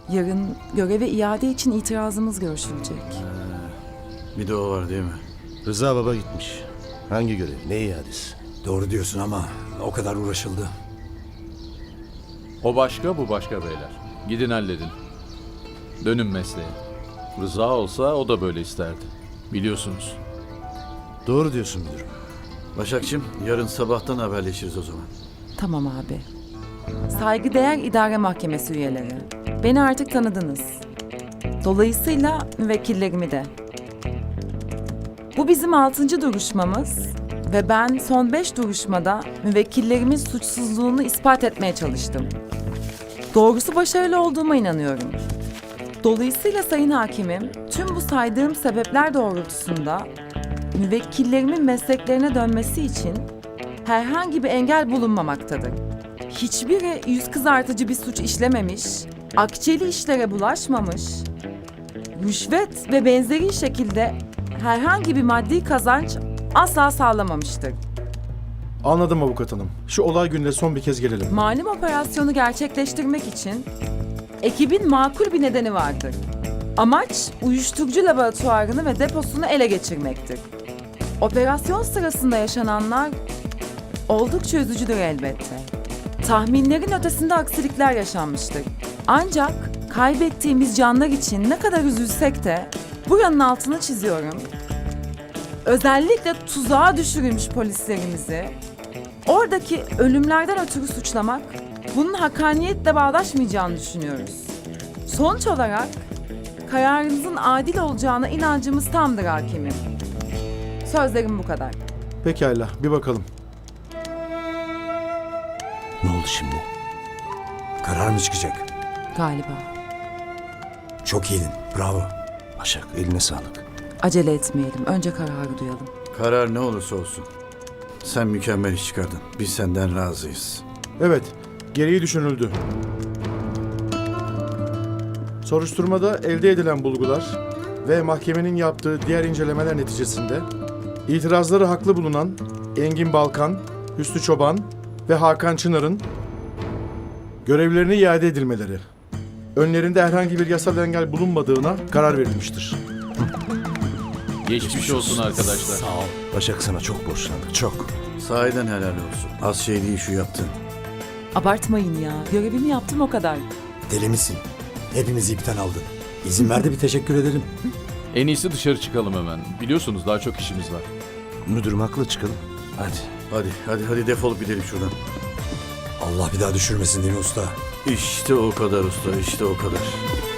Yarın göreve iade için itirazımız görüşülecek. Bir de o var değil mi? Rıza baba gitmiş. Hangi görev? Ne iadesi? Doğru diyorsun ama o kadar uğraşıldı. O başka, bu başka beyler. Gidin halledin. Dönün mesleğe. Rıza olsa o da böyle isterdi. Biliyorsunuz. Doğru diyorsun müdürüm. Başakçım, yarın sabahtan haberleşiriz o zaman. Tamam abi. Saygıdeğer İdare Mahkemesi üyeleri. Beni artık tanıdınız. Dolayısıyla müvekkillerimi de. Bu bizim 6. duruşmamız ve ben son 5 duruşmada müvekkillerimin suçsuzluğunu ispat etmeye çalıştım. Doğrusu başarılı olduğuma inanıyorum. Dolayısıyla Sayın Hakimim, tüm bu saydığım sebepler doğrultusunda müvekkillerimin mesleklerine dönmesi için herhangi bir engel bulunmamaktadır. Hiçbiri yüz kızartıcı bir suç işlememiş, akçeli işlere bulaşmamış, rüşvet ve benzeri şekilde herhangi bir maddi kazanç asla sağlamamıştır. Anladım avukat hanım. Şu olay gününe son bir kez gelelim. Malum operasyonu gerçekleştirmek için ekibin makul bir nedeni vardır. Amaç uyuşturucu laboratuvarını ve deposunu ele geçirmektir. Operasyon sırasında yaşananlar oldukça üzücüdür elbette. Tahminlerin ötesinde aksilikler yaşanmıştır. Ancak kaybettiğimiz canlar için ne kadar üzülsek de buranın altını çiziyorum. Özellikle tuzağa düşürülmüş polislerimizi oradaki ölümlerden ötürü suçlamak bunun hakkaniyetle bağdaşmayacağını düşünüyoruz. Sonuç olarak kararınızın adil olacağına inancımız tamdır hakimim. Sözlerim bu kadar. Pekala, bir bakalım. Ne oldu şimdi? Karar mı çıkacak? Galiba. Çok iyiydin. Bravo. Başak, eline sağlık. Acele etmeyelim. Önce kararı duyalım. Karar ne olursa olsun. Sen mükemmel iş çıkardın. Biz senden razıyız. Evet, gereği düşünüldü. Soruşturmada elde edilen bulgular ve mahkemenin yaptığı diğer incelemeler neticesinde itirazları haklı bulunan Engin Balkan, Hüsnü Çoban ve Hakan Çınar'ın görevlerine iade edilmeleri, önlerinde herhangi bir yasal engel bulunmadığına karar verilmiştir. Geçmiş olsun arkadaşlar. Başak sana çok borçlandık. Çok. Sahiden helal olsun. Az şey değil şu yaptın. Abartmayın ya. Görevimi yaptım o kadar. Deli misin? Hepimizi ipten aldın. İzin ver de bir teşekkür edelim. En iyisi dışarı çıkalım hemen. Biliyorsunuz daha çok işimiz var. Müdürüm haklı, çıkalım. Hadi. Hadi defolup gidelim şuradan. Allah bir daha düşürmesin değil mi usta? İşte o kadar usta, işte o kadar.